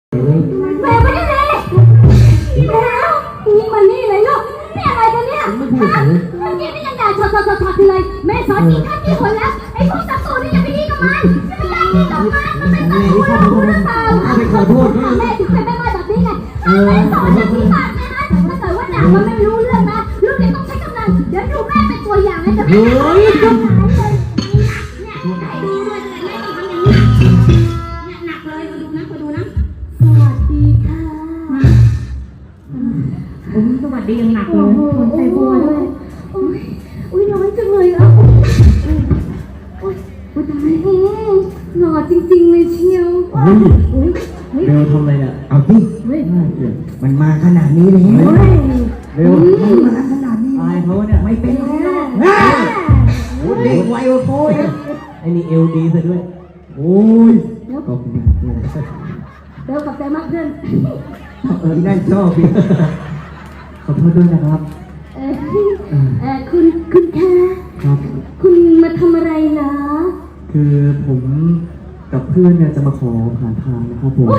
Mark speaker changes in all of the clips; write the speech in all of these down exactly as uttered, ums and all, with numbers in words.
Speaker 1: แม่ไม่ได้เลยแล้วนี่มันนี่เลยลูกนี่อะไรกันเนี่ยเมื่อกี้นี่ยังด่าชดชดชดชดเลยแม่สอนกินข้าวกี่คนแล้วไอ้พวกศัตรูนี่อย่าไปดีกับมันไม่ได้ดีกับมันมันเป็นศัตรูเรารู้หรือเปล่าไปขอโทษแม่ถึงเป็นแม่แบบนี้ไงแม่สอนอย่างที่ปากแม่นะถ้าเกิดว่าด่ามันไม่รู้เรื่องนะลูกเด็กต้องใช้กำลังเดี๋ยวดูแม่เป็นตัวอย่างนะจะไม่ด่าเลยเนี่ยให้ดูด้วยแม่ต้องทำอย่างนี้เนี่ยหนักเลยมาดูนะมาดูนะสวัสดีค่ะ
Speaker 2: ผมสวัสดียังหนักเลยคนใส่บัวด้วย
Speaker 1: โอ้ยโอ้ยร้อนจังเลยอ่ะโอ้ยโอ้ยตายหล่อจริงๆเลยเชียวเฮ้ยเฮ้ย
Speaker 3: เบลทำอะไรเนี่ยเอาดิ
Speaker 1: เฮ้ย
Speaker 3: มันมาขนาดนี้เลยเบลมันมาขนาดนี้ตายเขาเนี่ยไม่เป็นแล้วเด็กไวโอ้โหไอ้นี่เอลดีซะด้วยโอ้ยขอบคุณ
Speaker 1: เบลกับใจมากเพื่อน
Speaker 3: เออนั่นชอบพี่ขอโทษด้วยนะครับ
Speaker 1: เออเออคุณคุณแค่
Speaker 3: ครับ
Speaker 1: คุณมาทำอะไรเหรอ
Speaker 3: คือผมกับเพื่อนเนี่ยจะมาขอผ่านทางนะครับผม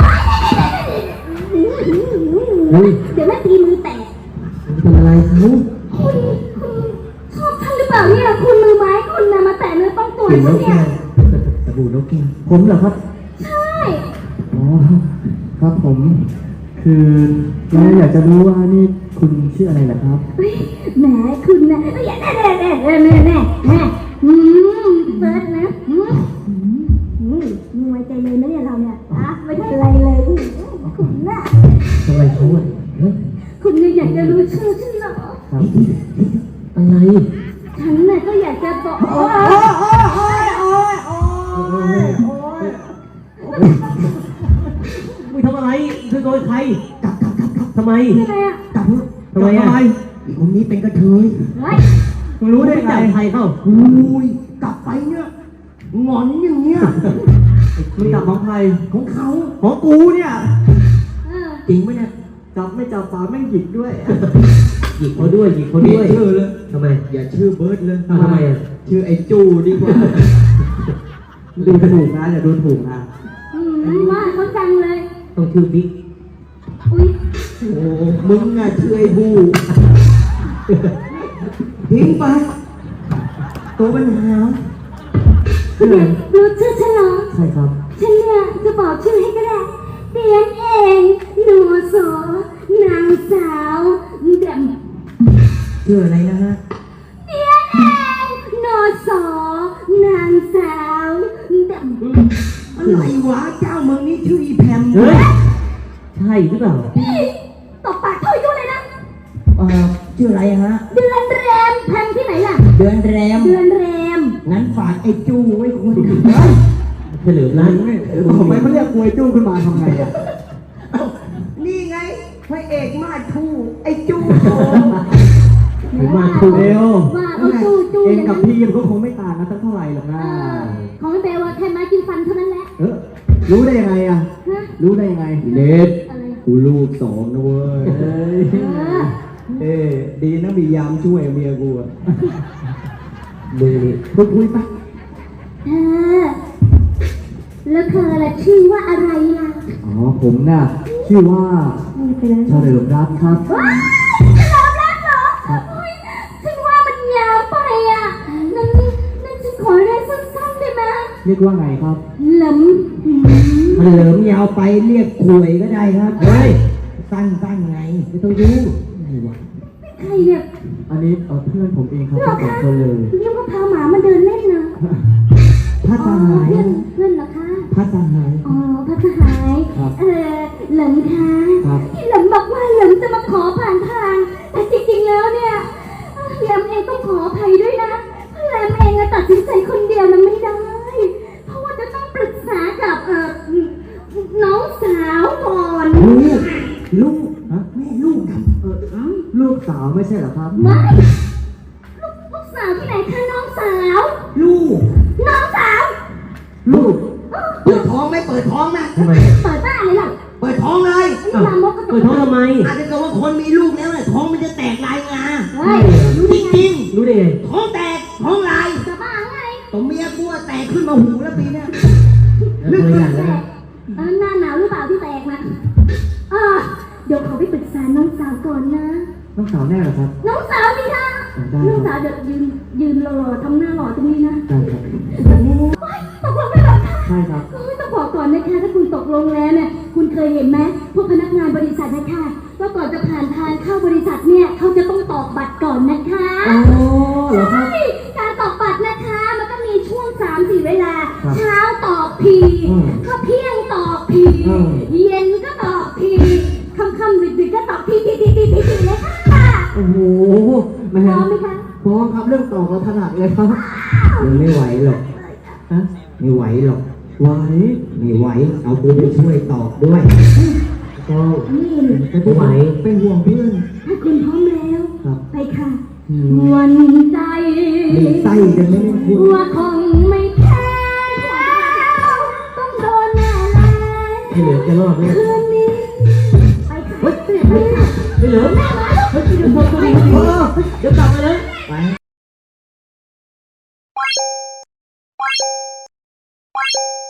Speaker 1: เฮ้ยเดี๋ยวแม่ตีมือแตก
Speaker 3: เป็นอะไรครับ
Speaker 1: คุณคุณชอบท่านหรือเปล่าเนี่ยคุณมือไม้คุณนะมาแตะเนื้อต้องตัวฉันเนี่ย
Speaker 3: สบู่นกแก้วผมเหรอครับ
Speaker 1: ใช่
Speaker 3: อ๋อครับผมคือเราอยากจะรู้ว่านี่คุณชื่ออะไรล่ะครับ
Speaker 1: แหมคุณนะแน่แน่แน่แน่แน่แน่แน่แน่อืมเฟิร์สนะอืมอืมมึงไว้ใจเลยนะเนี่ยเราเนี่ยอะไม่เป็นไรเลยคุณน่ะ
Speaker 3: ทำไมเขาอ่ะ
Speaker 1: คุณเนี่ยอยากจะรู้ชื่อฉันเหรอ
Speaker 3: ครับอะไร
Speaker 1: ฉันน่ะก็อยากจะบอกโอ้ยโอ้ยโอ้ยโอ้ยโอ้ยโอ้ย
Speaker 3: มึงทำอะไรคือโดยใครกลับกลับกลับกลับทำไม
Speaker 1: ทำไมอ่ะ
Speaker 3: กลับทำไมอ่ะคนนี้เป็นกระเทยมึงรู้ได้ไงใครเข้าอุ้ยกลับไปเนี่ยงอนอย่างเงี้ยมึงกลับของใครของเขาของกูเนี่ยจริงไหมเนี่ยจับไม่จับฝาไม่หยิกด้วยหยิกเขาด้วยหยิกเขาด้วยชื่อเลยทำไมอย่าชื่อเบิร์ดเลยทำไมอ่ะชื่อไอ้จูดีกว่าดูถูกนะอย่าดูถูกนะ
Speaker 1: ว่าเขาจังเลย
Speaker 3: ต้องชื่อบิ๊ก
Speaker 1: อุ้ย
Speaker 3: โอ้มึงอ่ะชื่อไอ้บูทิ้งไปตัวปัญหา
Speaker 1: รู้ชื่อฉันเหรอ
Speaker 3: ใช่ครับ
Speaker 1: ฉันเนี่ยจะบอกชื่อให้ก็ได้เตียนเองหนูโสนางสาวแดม
Speaker 3: ชื่ออะไรนะฮะ
Speaker 1: เตียนเองหนูโสนางสาวแดม
Speaker 3: อะไรวะเจ้ามึงนี่ชื่ออีแพมเฮ้ยใช่หรือเปล่า
Speaker 1: ตบปากเท่ายุ่เลยนะ
Speaker 3: เออชื่ออะไรฮะ
Speaker 1: เดือนแรมแพมที่ไหนล่ะ
Speaker 3: เดือนแรม
Speaker 1: เดือนแรม
Speaker 3: งั้นฝากไอ้จูไว้คนอื่นเฉลิมนั่นทำไมเขาเรียกกวยจูขึ้นมาทำไงอ่ะนี่ไงพระเอกมาทูไอ้จูโตมาทูเอว
Speaker 1: ว่าเขาจูจู
Speaker 3: เองกับพี่ยังก็คงไม่ต่างกันสักเท่าไหร่หรอกนะ
Speaker 1: ของเบลว่าแค่ไม้กินฟันเท่านั้นแหละ
Speaker 3: เออรู้ได้ยังไงอ่ะรู้ได้ยังไงเน็ตกูลูกสองนะเว้ยเอ้ดีนะมียามช่วยเมียกูอ่ะมือนี่พูดคุยปะ
Speaker 1: เธอแล้วเธอละชื่อว่าอะไรล่ะ
Speaker 3: อ๋อผมน่ะชื่อว่าเฉลิมรัตน์ครับ
Speaker 1: เฉลิมรัตน์เหรอฉันว่ามันยาวไปอ่ะนั่นนั่นฉันขอเรียกสั้นๆได้ไหม
Speaker 3: เรียกว่าไงครับ
Speaker 1: เหลิม
Speaker 3: มันเหลิมยาวไปเรียกขวยก็ได้ครับเฮ้ยสั้นๆไงไม่ต้องยุ่งไงวะ
Speaker 1: ใครเนี่ย
Speaker 3: อันนี้เเพื่อนผมเองครับทั้งสองคนเลย
Speaker 1: เรียกว่าพาหมามาเดินเล่นนะ
Speaker 3: พัดสหาย
Speaker 1: เพื่อนเพื่อนเหรอคะ
Speaker 3: พัดสหาย
Speaker 1: อ๋อพัดสหายเออเหลิมคะที่เหลิมบอกว่าเหลิมจะมาขอผ่านทางแต่จริงๆแล้วเนี่ยเหลิมเองต้องขออภัยด้วยนะเหลิมเองตัดสินใจคนเดียวนั้นไม่ได้เพราะว่าจะต้องปรึกษากับเออน้องสาวก่อน
Speaker 3: ลูกลูกฮะแม่ลูกกันเออลูกสาวไม่ใช่เหรอครับ
Speaker 1: ไม่ลูกลูกสาวที่ไหนคะน้องสาว
Speaker 3: ลูก
Speaker 1: น้องสาว
Speaker 3: ลูกเปิดท้องไม่เปิดท้องนะทำไม
Speaker 1: เปิดบ้านเลยล่ะ
Speaker 3: เปิดท้องเลย
Speaker 1: เปิ
Speaker 3: ดท้องทำไมอาจจะเกิดว่าคนมีลูกแล้วเนี่ยท้องมันจะแตกลายงาจริงจริงรู้ได้ไงท้องแตกท้องลาย
Speaker 1: จะบ้าไง
Speaker 3: ตัวเมียกูแตกขึ้นมาหูแล้วปีเนี้ย
Speaker 1: ลึกแตกเออหน้าหนาวหรือเปล่าที่แตกนะอ่าเดี๋ยวขอไปปรึกษาน้องสาวก่อนนะ
Speaker 3: น้องสาวแน่เหรอครับ
Speaker 1: น้องสาวสิคะ
Speaker 3: ได้
Speaker 1: น้องสาวเดี๋ยวยืนยืนรอๆทำหน้าหล่อตรงนี้นะ
Speaker 3: ได้ครับ
Speaker 1: ตกลงไม่หรอคะ
Speaker 3: ใช่ครับ
Speaker 1: โอ้ยต้องบอกก่อนนะคะถ้าคุณตกลงแล้วเนี่ยคุณเคยเห็นไหมพวกพนักงานบริษัทนะคะว่าก่อนจะผ่านทางเข้าบริษัทเนี่ยเขาจะต้องตอกบัตรก่อนนะคะ
Speaker 3: อ๋อเหรอครับ
Speaker 1: ใช่การตอกบัตรนะคะมันก็มีช่วงสามสี่เวลา
Speaker 3: ครับ
Speaker 1: เช้าตอกพี
Speaker 3: อืม
Speaker 1: ข้าเที่ยงตอกพี
Speaker 3: อืม
Speaker 1: เย็นก็ตอกพีค่ำๆดึกๆก็ตอกพีพีพีพีพีพีเลยค่ะ
Speaker 3: โอ้โหแม่
Speaker 1: พร้อมไหมคะ
Speaker 3: พร้อมครับเรื่องตอกเราถนัดเลยครับยังไม่ไหวหรอกฮะไม่ไหวหรอกไหวไม่ไหวเอากูไปช่วยตอกด้วยก็
Speaker 1: นี่
Speaker 3: จะไหวเป็นห่วงเพื่อน
Speaker 1: ถ้าคุณพร้อมแล้ว
Speaker 3: ครับ
Speaker 1: ไปค่ะ
Speaker 3: อืม
Speaker 1: วันใจ
Speaker 3: มีไส้กันไหมเนี่ยคุณ
Speaker 1: ว่าคงไม่แพ้แล้วต้องโดนแน่แล้
Speaker 3: ไม่เหลือจะรอดเนี่ย
Speaker 1: คืนนี้ไปค่ะไปค่ะ
Speaker 3: ไม่เหลือ
Speaker 1: แม่มาลูก
Speaker 3: เฮ้ยเดี๋ยวพอตัวนี้เออเดี๋ยวกลับมาเลยไป